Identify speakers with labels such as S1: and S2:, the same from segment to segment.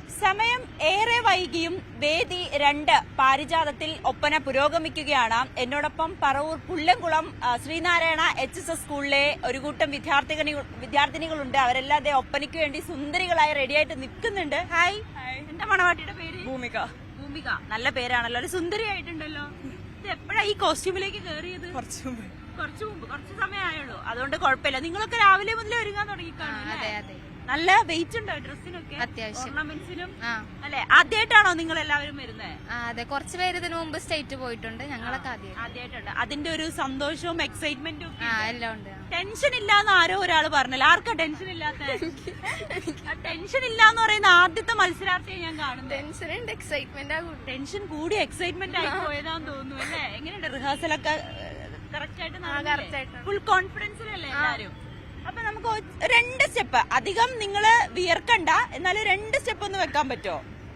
S1: സമയം ഏറെ വൈകിയും വേദി 2 പാരിജാതത്തിൽ ഒപ്പന പുരോഗമിക്കുകയാണ്. എന്നോടൊപ്പം പറവൂർ പുല്ലംകുളം ശ്രീനാരായണ HSS സ്കൂളിലെ ഒരു കൂട്ടം വിദ്യാർത്ഥിനികളുണ്ട്. അവരെല്ലാം അതേ ഒപ്പനയ്ക്ക് വേണ്ടി സുന്ദരികളായി റെഡിയായിട്ട് നിൽക്കുന്നുണ്ട്. ഹായ്, എന്താ മണവാട്ടിയുടെ പേര്?
S2: ഭൂമിക.
S1: ഭൂമിക, നല്ല പേരാണല്ലോ. ഒരു സുന്ദരിയായിട്ടുണ്ടല്ലോ. ഇത് എപ്പോഴാ ഈ കോസ്റ്റ്യൂമിലേക്ക് കയറിയത്?
S2: കുറച്ചു മുമ്പ്,
S1: കുറച്ച് സമയമായുള്ളൂ. അതുകൊണ്ട് കുഴപ്പമില്ല. നിങ്ങളൊക്കെ രാവിലെ മുതലേ ഒരുങ്ങാൻ തുടങ്ങിക്കാണും. നല്ല വെയിറ്റ് ഉണ്ടോ ഡ്രസ്സിനൊക്കെ?
S3: അത്യാവശ്യം.
S1: ഓർണമെന്റ്സിനും അല്ലെ? ആദ്യമായിട്ടാണോ നിങ്ങൾ എല്ലാവരും വരുന്നത്?
S3: അതെ, കുറച്ച് പേര് ഇതിനു മുമ്പ് സ്റ്റേറ്റ് പോയിട്ടുണ്ട്. ഞങ്ങളൊക്കെ
S1: ആദ്യമായിട്ടുണ്ട്. അതിന്റെ ഒരു സന്തോഷവും എക്സൈറ്റ്മെന്റും
S3: എല്ലാം ഉണ്ട്.
S1: ടെൻഷൻ ഇല്ലാന്ന് ആരോ ഒരാൾ പറഞ്ഞല്ലോ. ആർക്കാ ടെൻഷൻ ഇല്ലാത്ത? ടെൻഷൻ ഇല്ലാന്ന് പറയുന്ന ആദ്യത്തെ മത്സരാർത്ഥിയെ ഞാൻ കാണുന്നത്. ടെൻഷൻ കൂടി എക്സൈറ്റ്മെന്റ് ആയി പോയതാന്ന് തോന്നുന്നു അല്ലേ? എങ്ങനെയുണ്ട് റിഹേഴ്സലൊക്കെ? കറക്റ്റ് ആയിട്ട് ഫുൾ കോൺഫിഡൻസിലല്ലേ എല്ലാരും? അപ്പൊ നമുക്ക് 2 സ്റ്റെപ്പ്, അധികം നിങ്ങള് വിയർക്കണ്ട, എന്നാലും 2 സ്റ്റെപ്പ് ഒന്ന് വെക്കാൻ പറ്റുമോ?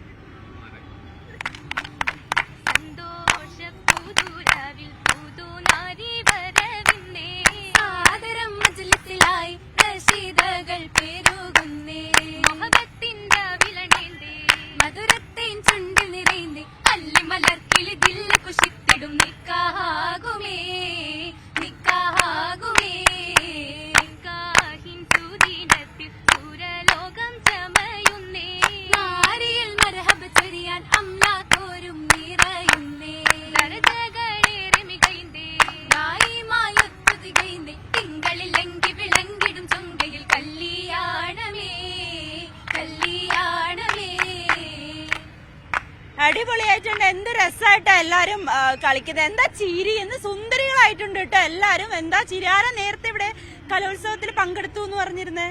S1: അടിപൊളിയായിട്ടുണ്ട്. എന്ത് രസമായിട്ടാ എല്ലാരും കളിക്കുന്നത്. എന്താ ചിരി, എന്ത് സുന്ദരികളായിട്ടുണ്ട് കേട്ടോ എല്ലാരും. എന്താ ചിരി. ആരാ നേരത്തെ ഇവിടെ കലോത്സവത്തിൽ പങ്കെടുത്തു എന്ന് പറഞ്ഞിരുന്നേ?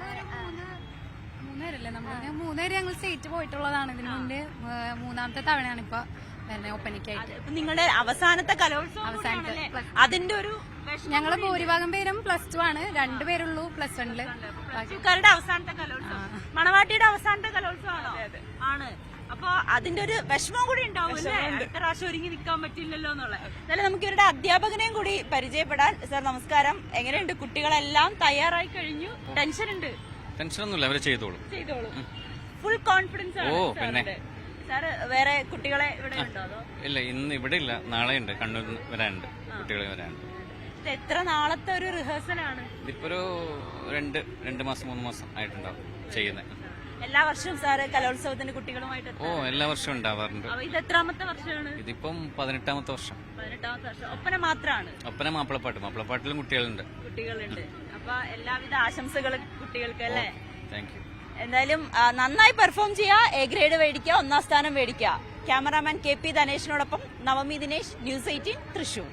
S3: മൂന്നുപേര് ഞങ്ങൾ സ്റ്റേറ്റ് പോയിട്ടുള്ളതാണ്. ഇതിനു മുന്നേ 3ാമത്തെ തവണയാണ് ഇപ്പൊ ഒപ്പനയ്ക്കായിട്ട്.
S1: നിങ്ങളുടെ അവസാനത്തെ കലോത്സവം, അതിന്റെ ഒരു
S3: ഞങ്ങള് ഭൂരിഭാഗം പേരും +2 ആണ്. 2 പേരുള്ളൂ +1.
S1: അവസാനത്തെ കലോത്സവം, മണവാട്ടിയുടെ അവസാനത്തെ കലോത്സവമാണോ? ആണ്. അപ്പൊ അതിന്റെ ഒരു വിഷമം കൂടി ഉണ്ടാവും അല്ലേ? അടുത്ത പ്രാവശ്യം ഒരുങ്ങി നിൽക്കാൻ പറ്റില്ലല്ലോ എന്നുള്ളത്. എന്നാലും നമുക്ക് ഇവരുടെ അധ്യാപകനെയും കൂടി പരിചയപ്പെടാൻ. സാർ നമസ്കാരം. എങ്ങനെയുണ്ട്? കുട്ടികളെല്ലാം തയ്യാറായി കഴിഞ്ഞു. ടെൻഷൻ ഉണ്ട്?
S4: ടെൻഷനൊന്നുമില്ല, അവരെ ചെയ്തോളൂ.
S1: ഫുൾ കോൺഫിഡൻസ് ആണ്. സാറ് വേറെ കുട്ടികളെ ഇവിടെ ഉണ്ടോ? അതോ
S4: ഇല്ല, ഇന്ന് ഇവിടെ ഇല്ല, നാളെ ഉണ്ട്. കണ്ണൂർ വരാനുണ്ട്, കുട്ടികളെ വരാനുണ്ട്.
S1: എത്ര നാളത്തെ ഒരു റിഹേഴ്സലാണ്?
S4: ഇതിപ്പോ ഒരു 2 മാസം 3 മാസം ആയിട്ടുണ്ടാവും ചെയ്യുന്നത്.
S1: എല്ലാ വർഷവും സാറ് കലോത്സവത്തിന് കുട്ടികളുമായിട്ട്?
S4: എല്ലാ വർഷവും ഉണ്ടാവാറുണ്ട്.
S1: ഇത് എത്രാമത്തെ വർഷമാണ്?
S4: ഇതിപ്പം 18ാമത്തെ വർഷം.
S1: 18ാമത്തെ വർഷം. ഒപ്പന മാത്രമാണ്?
S4: ഒപ്പന, മാപ്പിളപ്പാട്ടിലും കുട്ടികളുണ്ട്.
S1: അപ്പൊ എല്ലാവിധ ആശംസകളും കുട്ടികൾക്ക് അല്ലേ?
S4: Thank you.
S1: എന്തായാലും നന്നായി പെർഫോം ചെയ്യുക, A ഗ്രേഡ് മേടിക്കുക, 1ാം സ്ഥാനം മേടിക്കുക. ക്യാമറാമാൻ KP ധനേഷിനോടൊപ്പം നവമി ദിനേശ്, News 18 തൃശൂർ.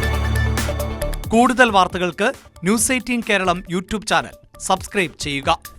S5: കൂടുതൽ വാർത്തകൾക്ക് News 18 Keralam YouTube channel subscribe ചെയ്യുക.